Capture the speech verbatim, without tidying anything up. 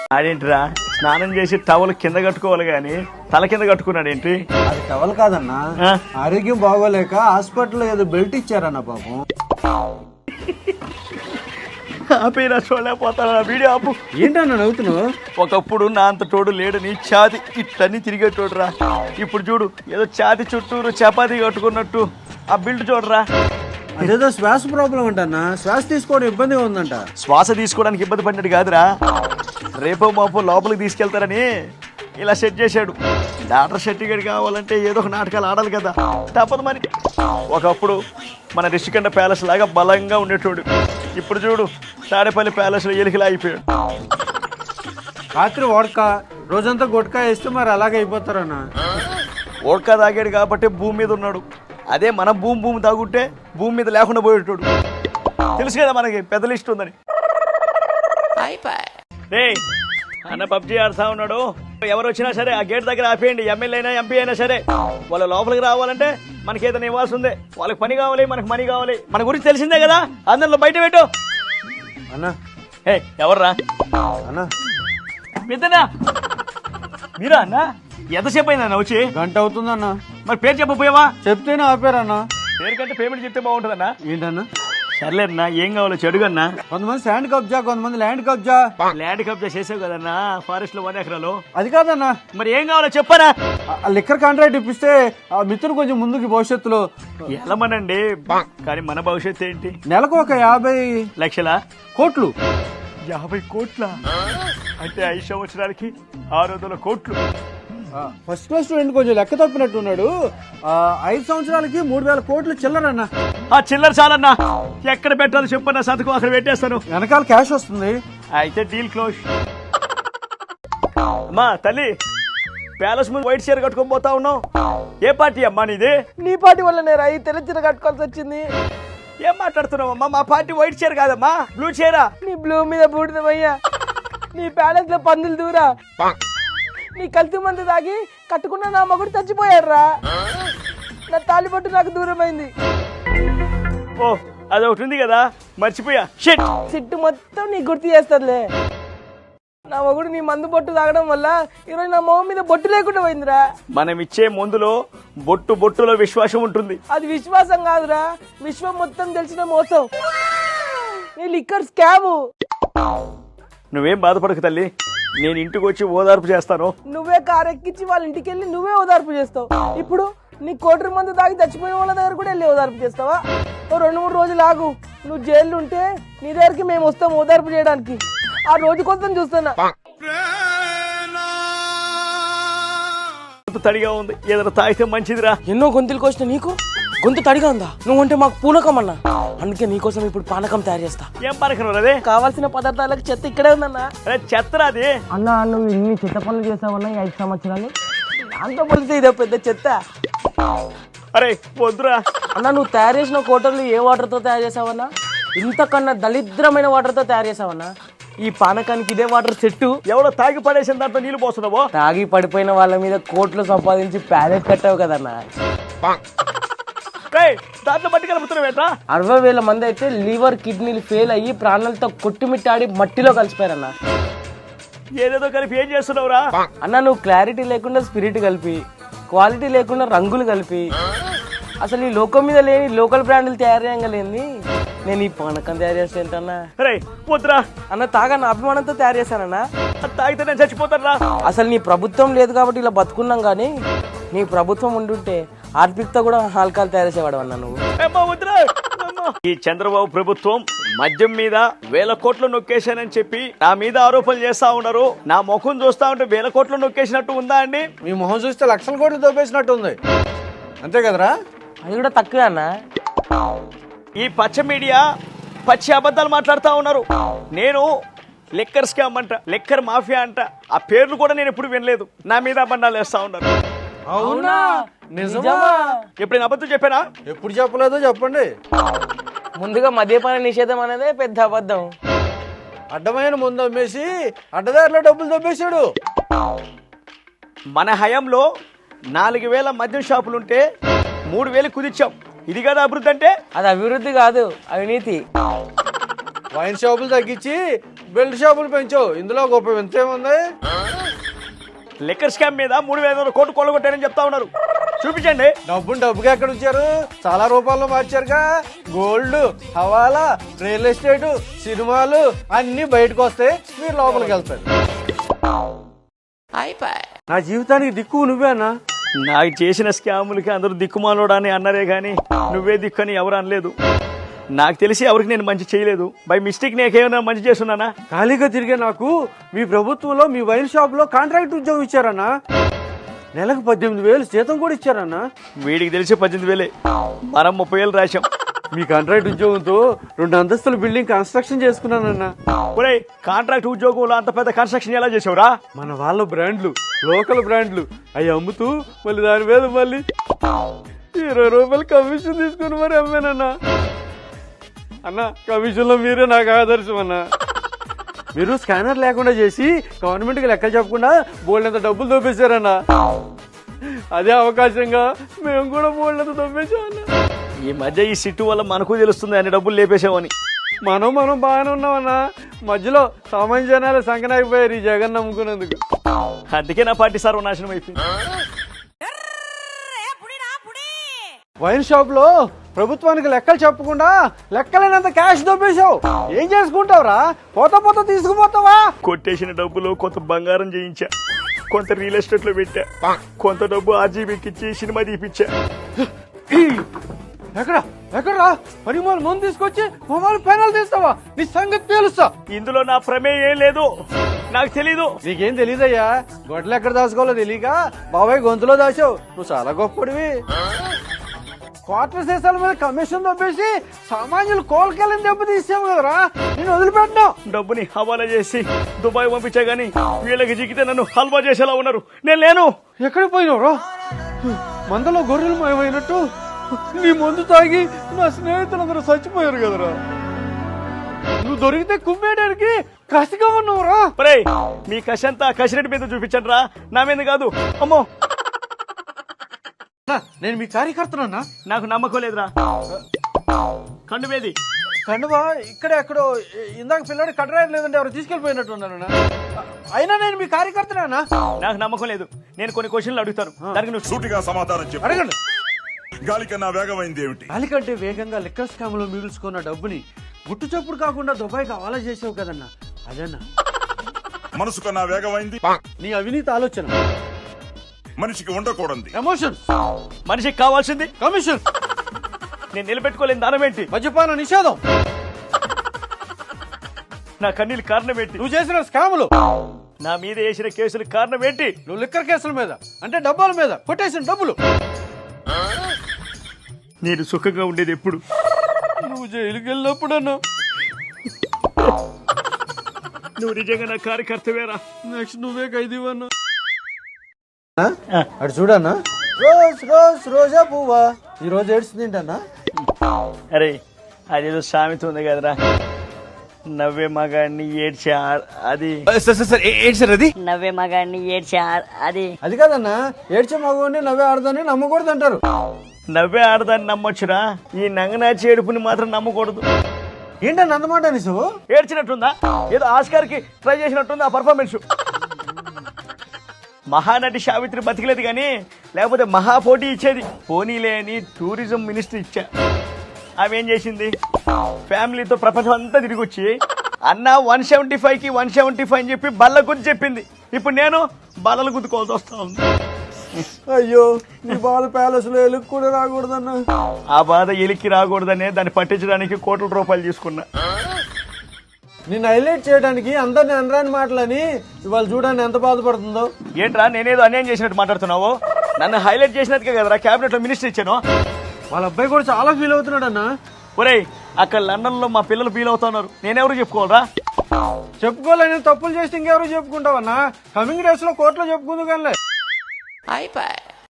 ఆడేంటిరా స్నానం చేసి టవల్ కింద కట్టుకోవాలి గాని తల కింద కట్టుకున్నాడు ఏంటి? అది టవల్ కాదన్నా, ఆరోగ్యం బాగోలేక హాస్పిటల్లో ఏదో బెల్ట్ ఇచ్చారన్న పాపం. ఆపేనా చూడలేకపోతాను వీడియో ఆపు. ఏంటన్నా నవ్వుతున్నావు? ఒకప్పుడు నా అంత తోడు లేడని ఛాతి ఇట్లన్నీ తిరిగేటోడురా. ఇప్పుడు చూడు ఏదో ఛాతి చుట్టూరు చపాతీ కట్టుకున్నట్టు ఆ బిల్డ్ చూడరా. అదేదో శ్వాస ప్రాబ్లం అంటన్నా, శ్వాస తీసుకోవడం ఇబ్బందిగా ఉందంట. శ్వాస తీసుకోవడానికి ఇబ్బంది పడినట్టు కాదురా, రేపో మాపో లోపలికి తీసుకెళ్తారని ఇలా సెట్ చేశాడు. డాక్టర్ సర్టిఫికేట్ కావాలంటే ఏదో ఒక నాటకాలు ఆడాలి కదా, తప్పదు మరి. ఒకప్పుడు మన రిషికొండ ప్యాలెస్ లాగా బలంగా ఉండేటోడు, ఇప్పుడు చూడు తాడేపల్లి ప్యాలెస్లో ఎలికలా అయిపోయాడు. రాత్రి ఓడక రోజంతా గుట్కా వేస్తే మరి అలాగే అయిపోతారన్నా. ఓడ్కా తాగాడు కాబట్టి భూమి మీద ఉన్నాడు, అదే మన భూమి భూమి తాగుంటే భూమి మీద లేకుండా పోయేటోడు. తెలుసు కదా మనకి పెద్ద లిస్ట్ ఉందని. అన్న పబ్జీ ఆడుతా ఉన్నాడు, ఎవరు వచ్చినా సరే ఆ గేట్ దగ్గర ఆపేయండి. ఎమ్మెల్యే అయినా ఎంపీ అయినా సరే వాళ్ళ లోపలికి రావాలంటే మనకి ఏదైనా ఇవ్వాల్సి ఉంది. వాళ్ళకి పని కావాలి, మనకి మనీ కావాలి. మన గురించి తెలిసిందే కదా, అందరిలో బయట పెట్టు అన్నా. ఏ ఎవర్రా అన్నా? పెద్దనా మీరా అన్న? ఎంతసేపు అయిందన్న వచ్చి? గంట అవుతుందన్నా. మరి పేరు చెప్పపోయావా? చెప్తేనే ఆపారన్నా. పేరు కంటే పేమెంట్ చెప్తే బాగుంటుందన్నా. ఏంటన్నా? సర్లేదన్నా, ఏం కావాలో చెడుగన్నా. కొంతమంది శాండ్ కబ్జా, కొంతమంది ల్యాండ్ కబ్జా. ల్యాండ్ కబ్జా చేసావు కదన్నా ఫారెస్ట్ లో వన్ ఎకరాలు. అది కాదన్నా. మరి ఏం కావాలో చెప్పరా? లిక్కర్ కాంట్రాక్ట్ ఇప్పిస్తే ఆ మిత్రుడు కొంచెం ముందుకి భవిష్యత్తులో వెళ్ళమనండి. కానీ మన భవిష్యత్తు ఏంటి? నెలకు ఒక యాభై లక్షల కోట్లు. యాభై కోట్ల అంటే ఐదు సంవత్సరాలకి ఆరు వందల కోట్లు. ఫస్ట్ క్లాస్ స్టూడెంట్ కొంచెం లెక్క తప్పినట్టున్నాడు. ఐదు సంవత్సరాలకి మూడు వేల కోట్లు చిల్లరన్నా. ఆ చిల్లర చాలన్నా, ఎక్కడ పెట్టాలో చెప్పన్నా, సంతకం అక్కడ పెట్టేస్తాను. వెనకాల క్యాష్ వస్తుంది. అయితే డీల్ క్లోజ్. అమ్మా తల్లి, ప్యాలెస్ ముందు వైట్ చీర కట్టుకొని పోతా ఉన్నావు, ఏ పార్టీ అమ్మా నీది? నీ పార్టీ వల్ల నేను అయి తెల్ల చీర కట్టుకోవాల్సి వచ్చింది. ఏం మాట్లాడుతున్నావు అమ్మా? మా పార్టీ వైట్ చీర కాదమ్మా, బ్లూ చీర. నీ బ్లూ మీద బూడిదమయ్యా, నీ ప్యాలెస్ లో పందులు దూరా, నీ కల్తీ మందు తాగి కట్టుకున్న నా మగుడు చచ్చిపోయాడురా. నా తాలిబొట్టు నాకు దూరమైంది. ఓ అదొకటి ఉంది కదా, మర్చిపోయా. షిట్, సిట్టు మొత్తం నీ గుర్తు చేస్తుందిలే. నా మగుడు నీ మందు బొట్టు తాగడం వల్ల ఈరోజు నా మొహం మీద బొట్టు లేకుండా పోయిందిరా. మనం ఇచ్చే మందులో బొట్టు బొట్టులో విశ్వాసం ఉంటుంది. అది విశ్వాసం కాదురా, విశ్వం మొత్తం తెలిసిన మోసం. నీ లిక్కర్ స్కాము. నువ్వేం బాధపడకు తల్లి, నేను ఇంటికి వచ్చి ఓదార్పు చేస్తాను. నువ్వే కారు ఎక్కించి వాళ్ళ ఇంటికి వెళ్ళి నువ్వే ఓదార్పు చేస్తావు. ఇప్పుడు నీ కోటరి మందు తాగి చచ్చిపోయిన వాళ్ళ దగ్గర కూడా వెళ్ళి ఓదార్పు చేస్తావా? ఓ రెండు మూడు రోజులు ఆగు, నువ్వు జైలు ఉంటే నీ దగ్గరికి మేము వస్తాం ఓదార్పు చేయడానికి. ఆ రోజు కోసం చూస్తున్నా. తడిగా ఉంది, ఏదైనా తాగితే మంచిదిరా. ఎన్నో గొంతులకు వచ్చిన నీకు గొంతు తడిగా ఉందా? నువ్వు అంటే మాకు పూనకం అన్నా, అందుకే నీకోసం ఇప్పుడు పానకం తయారు చేస్తా. ఏం పానకం అదే? కావాల్సిన పదార్థాలకు చెత్త ఇక్కడే ఉందన్నా. చెత్తరా అది? అన్నా నువ్వు ఇన్ని చెత్త పనులు చేసావన్నా ఈ ఐదు సంవత్సరాలు, దాంతో పోలిస్తే ఇదో పెద్ద చెత్త. అరే వద్దురా అన్నా, నువ్వు తయారు చేసిన కోటర్లు ఏ వాటర్ తో తయారు చేసావన్నా? ఇంతకన్నా దళిద్రమైన వాటర్ తో తయారు చేసావన్నా. ఈ పానకానికి ఇదే వాటర్ సెట్టు. ఎవడో తాగి పడేసిన దాంట్లో నీళ్ళు పోస్తున్నావో? తాగి పడిపోయిన వాళ్ళ మీద కోట్లు సంపాదించి ప్యాలెట్ కట్టావు కదన్నా. దాంట్లో మట్టి కలుపుతున్నావేట్రా? అరవై వేల మంది అయితే లివర్ కిడ్నీలు ఫెయిల్ అయ్యి ప్రాణాలతో కొట్టుమిట్టాడి మట్టిలో కలిసిపోయారన్నా. ఏదేదో కలిపి ఏం చేస్తున్నావురా? అన్నా, నువ్వు క్లారిటీ లేకుండా స్పిరిట్ కలిపి, క్వాలిటీ లేకుండా రంగులు కలిపి, అసలు ఈ లోకం మీద లేని లోకల్ బ్రాండ్లు తయారు చేయగలేంది నేను ఈ పానకం తయారు చేస్తానన్నా. వద్దురా అన్న, తాగన్న అభిమానంతో తయారు చేశానన్నా. తాగితే నేను చచ్చిపోతారా? అసలు నీ ప్రభుత్వం లేదు కాబట్టి ఇలా బతుకున్నాం, కానీ నీ ప్రభుత్వం ఉండుంటే ఆర్పిక్తో కూడా ఆల్కహాల్ తయారు చేసేవాడు అన్నా నువ్వు. ఈ చంద్రబాబు ప్రభుత్వం మద్యం మీద వేల కోట్లు నొక్కేశానని చెప్పి నా మీద ఆరోపణలు చేస్తా ఉన్నారు. నా ముఖం చూస్తా ఉంటే వేల కోట్లు నొక్కేసినట్టు ఉందా అండి? మీ మొహం చూస్తే లక్షల కోట్లు దొబ్బేసినట్టు ఉంది, అంతే కదరా? అది కూడా తక్కువే అన్న. ఈ పచ్చ మీడియా పచ్చి అబద్ధాలు మాట్లాడుతా ఉన్నారు. నేను లిక్కర్ స్కామ్ అంట, లిక్కర్ మాఫియా అంట, ఆ పేర్లు కూడా నేను ఎప్పుడు వినలేదు. నా మీద అబద్ధాలు వేస్తా ఉన్నారు. అవునా? నిజమా? ఎప్పుడైనా అబద్ధం చెప్పానా? ఎప్పుడు చెప్పలేదో చెప్పండి. ముందుగా మద్యపాన నిషేధం అనేదే పెద్ద అబద్ధం. అడ్డమైన ముందు అమ్మేసి అడ్డదారిలో డబ్బులు దొబ్బేశాడు. మన హయాంలో నాలుగు వేల మద్యం షాపులుంటే మూడు వేలు కుదిర్చాం. ఇది కదా అభివృద్ధి అంటే? అది అభివృద్ధి కాదు, అవినీతి. వైన్ షాపులు తగ్గించి బెల్ట్ షాపులు పెంచావు, ఇందులో గొప్ప వింత ఏముంది? లిక్కర్ స్కామ్ మీద మూడు వేల ఐదు వందల కోట్లు కొల్లగొట్టారని చెప్తా ఉన్నారు. చూపించండి. డబ్బుని డబ్బుగా ఎక్కడ ఉంచారు? చాలా రూపాయల్లో మార్చారుగా. గోల్డ్, హవాలా, రియల్ ఎస్టేట్, సినిమాలు అన్ని బయటకు వస్తే మీరు లోపలికి వెళ్తారు. నా జీవితానికి దిక్కు నువ్వే అన్నా. నాకు చేసిన స్కాములకి అందరూ దిక్కుమాలోడా అని అన్నారే గాని నువ్వే దిక్కు అని ఎవరు అనలేదు. నాకు తెలిసి ఎవరికి నేను మంచి చేయలేదు. బై మిస్టేక్ నేకేమైనా మంచి చేస్తున్నానా? ఖాళీగా తిరిగే నాకు మీ ప్రభుత్వంలో మీ వైన్ షాప్ లో కాంట్రాక్ట్ ఉద్యోగం ఇచ్చారన్నా. నెలకు పద్దెనిమిది వేలు జీతం కూడా ఇచ్చారన్నా. వీడికి తెలిసి పద్దెనిమిది వేలే, మనం ముప్పై వేలు రాశాం. మీ కాంట్రాక్ట్ ఉద్యోగంతో రెండు అంతస్తుల బిల్డింగ్ కన్స్ట్రక్షన్ చేసుకున్నానన్నా. ఒరే, కాంట్రాక్ట్ ఉద్యోగంలో అంత పెద్ద కన్స్ట్రక్షన్ ఎలా చేసావురా? మన వాళ్ళ బ్రాండ్లు, లోకల్ బ్రాండ్లు అవి అమ్ముతూ మళ్ళీ దాని మీద మళ్ళీ ఇరవై రూపాయలు కమిషన్ తీసుకుని మరి అమ్మానన్నా. అన్న, కమిషన్ లో మీరే నాకు ఆదర్శం అన్నా. మీరు స్కానర్ లేకుండా చేసి గవర్నమెంట్ కి లెక్కలు చెప్పకుండా బోల్డంత డబ్బులు దొబ్బేశారన్నా. అదే అవకాశంగా మేము కూడా బోల్డంత దొబ్బేశామన్నా. ఈ మధ్య ఈ సిట్టు వల్ల మనకు తెలుస్తుంది అన్ని డబ్బులు లేపేసామని. మనం మనం బాగానే ఉన్నామన్నా. మధ్యలో సామాన్య జనాలు సంకనాగిపోయారు ఈ జగన్ నమ్ముకున్నందుకు. అందుకే నా పార్టీ సర్వనాశనం అయిపోయింది. వైన్ షాప్ లో ప్రభుత్వానికి లెక్కలు చెప్పకుండా లెక్కలేనంత క్యాష్ దొబ్బేశావు. ఏం చేసుకుంటావురా? పోతా పోతా తీసుకుపోతావా? కొట్టేసిన డబ్బులో కొంత బంగారం చేయించా, కొంత రియల్ ఎస్టేట్ లో పెట్టా, కొంత డబ్బు ఆర్జీబీకి ఇచ్చి సినిమా తీపిచ్చా. ఎక్కడ ఎక్కడరా? పని మూల ముందు తీసుకొచ్చి మొబైల్ ఫైనల్ తీస్తావా? నీ సంగతి తెలుస్తా. ఇందులో నా ప్రమేయం ఏం లేదు, నాకు తెలీదు. నీకేం తెలీదయ్యా. గొడ్లు ఎక్కడ దాచుకోవాలో తెలియక బాబాయ్ గొంతులో దాచావు. నువ్వు చాలా గొప్పడివి. క్వార్టర్ దేశాల మీద కమిషన్ దొబ్బేసి సామాన్యులు కోలుకెళ్ళని దెబ్బ తీసాము కదరా. నేను వదిలిపెట్టినా. డబ్బుని హవాలా చేసి దుబాయ్ పంపించా గానీ వీళ్ళకి జిగితే నన్ను హల్వా చేసేలా ఉన్నారు. నేను లేను. ఎక్కడికి పోయినావురా? మందలో గొర్రెలు మాయమైనట్టు నీ మందు తాగి నా స్నేహితులందరూ చచ్చిపోయారు కదరా. నువ్వు దొరికితే కుమ్మేయడానికి కసిగా ఉన్నావురా. ఒరేయ్, మీ కసంతా కసిరెడ్డి మీద చూపించండి రా, నా మీద కాదు. అమ్మో, నేను మీ కార్యకర్తనన్నా. నాకు నమ్మకం లేదురా. కండు మీది కండువా ఇక్కడ ఎక్కడో ఇందాక పిల్లడు కట్టరాయలు లేదంటే ఎవరు తీసుకెళ్లిపోయినట్టు ఉన్నాను. అయినా నేను మీ కార్యకర్తనా? నాకు నమ్మకం లేదు. నేను కొన్ని క్వశ్చన్లు అడుగుతాను, దానికి నువ్వు సూటిగా సమాధానం చెప్పు. అడగండి. గాలి కన్నా వేగమైంది ఏమిటి? గాలి కంటే వేగంగా లిక్కర్ స్కామ్ లో మిగుల్చుకున్న డబ్బుని గుట్టు చప్పుడు కాకుండా దుబాయ్కి హవాలా చేసావు కదన్నా, అదన్నా. మనసు కన్నా వేగమైంది నీ అవినీతి ఆలోచన. మనిషికి ఉండకూడదు ఎమోషన్. మనిషికి కావాల్సింది కమిషన్. నేను నిలబెట్టుకోలేని దానం ఏంటి? మద్యపాన నిషేధం. నా కన్నీళ్ళు కారణం ఏంటి? నువ్వు చేసిన స్కాములు. నా మీద వేసిన కేసులు కారణం ఏంటి? నువ్వు లిక్కర్ కేసుల మీద అంటే డబ్బాల మీద కొట్టేసిన డబ్బులు. నేను సుఖంగా ఉండేది ఎప్పుడు? నువ్వు జైలుకి వెళ్ళినప్పుడన్నా. నువ్వు నిజంగా నా కార్యకర్తవేరా. నెక్స్ట్ నువ్వే ఖైదీవన్నా. అటు చూడన్నా. రోజ్ రోజ్ రోజా పువ్వా ఈ రోజు ఏడ్చింది ఏంటన్నా? అరే, అదేదో సామెత ఉంది కదరా, నవ్వే మగాడిని ఏడ్చే ఆ- అది అది నవ్వే మగాడిని ఏడ్చే ఆ- అది అది కాదన్నా. ఏడ్చే మగవాడిని నవ్వే ఆడదాన్ని నమ్మకూడదు అంటారు. నవ్వే ఆడదాన్ని నమ్మొచ్చురా, ఈ నంగనాచి ఏడుపుని మాత్రం నమ్మకూడదు. ఏంటన్నా అన్నమాట నీసు? ఏడ్చినట్టుందా? ఏదో ఆస్కార్ కి ట్రై చేసినట్టుంది ఆ పర్ఫార్మెన్స్. మహానటి సావిత్రి బతికలేదు కానీ లేకపోతే మహా పోటీ ఇచ్చేది. పోనీలే అని టూరిజం మినిస్టర్ ఇచ్చా. ఆమె ఏం చేసింది? ఫ్యామిలీతో ప్రపంచం అంతా తిరిగి వచ్చి అన్న వన్ సెవెంటీ ఫైవ్ కి వన్ సెవెంటీ ఫైవ్ అని చెప్పి బల్ల గుద్ది చెప్పింది. ఇప్పుడు నేను బల్లలు గుద్దుకోవాల్సి వస్తా ఉంది. అయ్యో, నీ బాల ప్యాలెస్ లో ఎలుగు కూడా రాకూడదన్నా. ఆ బాధ ఎలికి రాకూడదనే దాన్ని పట్టించడానికి కోట్ల రూపాయలు తీసుకున్నా. నిన్ను హైలైట్ చేయడానికి అందరిని అనరాని మాటలని ఇవాళ చూడండి ఎంత బాధపడుతుందో. ఏంట్రా నేనేదో అన్యాయం చేసినట్టు మాట్లాడుతున్నావు? నన్ను హైలైట్ చేసినట్టుగా కదరా క్యాబినెట్ లో మినిస్టర్ ఇచ్చాను. వాళ్ళ అబ్బాయి కూడా చాలా ఫీల్ అవుతున్నాడు అన్న. ఒరేయ్, అక్కడ లండన్ లో మా పిల్లలు ఫీల్ అవుతున్నారు, నేనెవరు చెప్పుకోవాలరా? చెప్పుకోలేని తప్పులు చేస్తే ఇంకెవరు చెప్పుకుంటావన్నా? కమింగ్ డేస్ లో కోర్టులో చెప్పుకుందు కానీ.